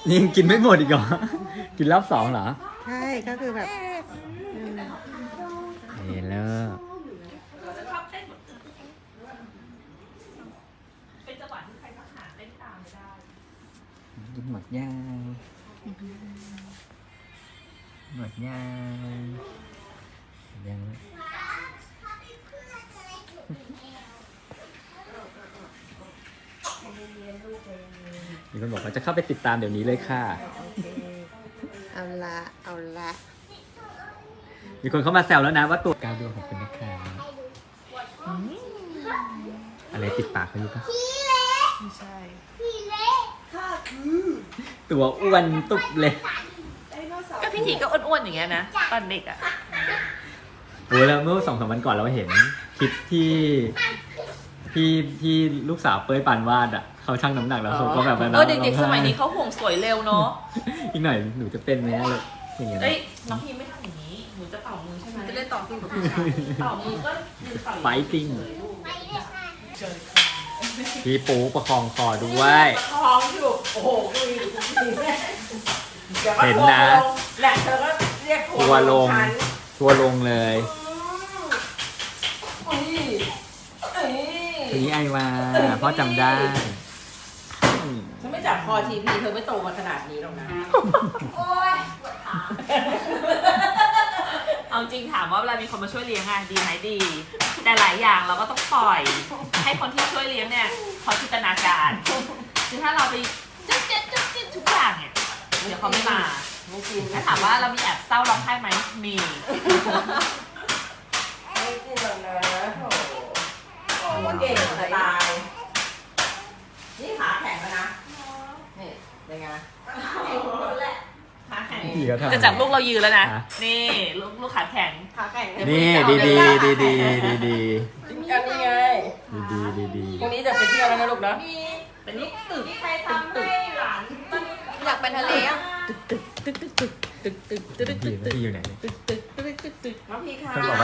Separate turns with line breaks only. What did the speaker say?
นี่ยังกินไม่หมดอีกเหรอ กินรอบสองเหรอ
ใช่ก็คือแบบ
เห็นแล้ว
เป็นจังหวะที่ใครทหารเล่นตามไม่ได้
กินหมดย่างหมดย่างยังมีคนบอกว่าจะเข้าไปติดตามเดี๋ยวนี้เลยค่ะ
เอาละเอาละ
มีคนเข้ามาแซวแล้วนะว่าตัวกาวดวงของคุณนะคะอะไรติดปากเขาอยู่ปะ
ไม่ใช่
ตัวอ้วนตุบเลย
ก็พี่ทีก็อ้วนๆอย่างเงี้ยนะตอนเด็กอ่ะ
โอ้ยแล้วเมื่อ2-3 วันก่อนเราเห็นคลิปที่ลูกสาวเป้ยปานวาดอ่ะเขาชั่งน้ำหนักแล้วเขาก็แบบ
เด็กๆสมัยนี้เขาห่วงสวยเร็วเนาะ
อีกหน่อยหนูจะเป็นไหมเลยอย่างเงี้ย
เอ้ยน้องพีไม่ทำอย่างนี้หนูจะเป่ามือใช่ไหมจะเล่นต่อสู้กับพี่เป่ามือก็ยืนเป่า
ไฟติ้งพี่ปูประคองคอด้วย
ท้องอยู่โอ้โหดู
เห็นนะ
แหละเธอก็เรียก
ทัวร์ลงทัวร์ลงเลยทีนี้ไอมาพ่อจำได้
ฉันไม่จับคอทีพีเธอไม่โตมาขนาดนี้หรอกนะเอาจริงถามว่าเวลามีคนมาช่วยเลี้ยงอะดีไหมดี แต่หลายอย่างเราก็ต้องปล่อย ให้คนที่ช่วยเลี้ยงเนี่ยเขาจินตนาการคือถ้าเราไปจุ๊ดทุกอย่างเนี่ยเดี๋ยวเขาไม่มาถ้าถามว่าเรามีแอบเศร้าร้องไห้ไหมมีไม่จริงหรอกนะโอ้เก่งจะตายนี่ขาแข็งแล้วนะนี่เป็นไงขาแข็งจะจับลูกเรายืนแล้วนะนี่ลูกขาแข็งขาแข็ง
นี่ดีอันนี้ไงดี
พรุ่งนี้จะไปเที่ยวแล้วนะลูกนะเป็นนี่ตึกใครทำให้หลาน
อยากไปทะเลอ่ะ
พี่อยู่ไหน
น้องพีค่ะ
เขาบอก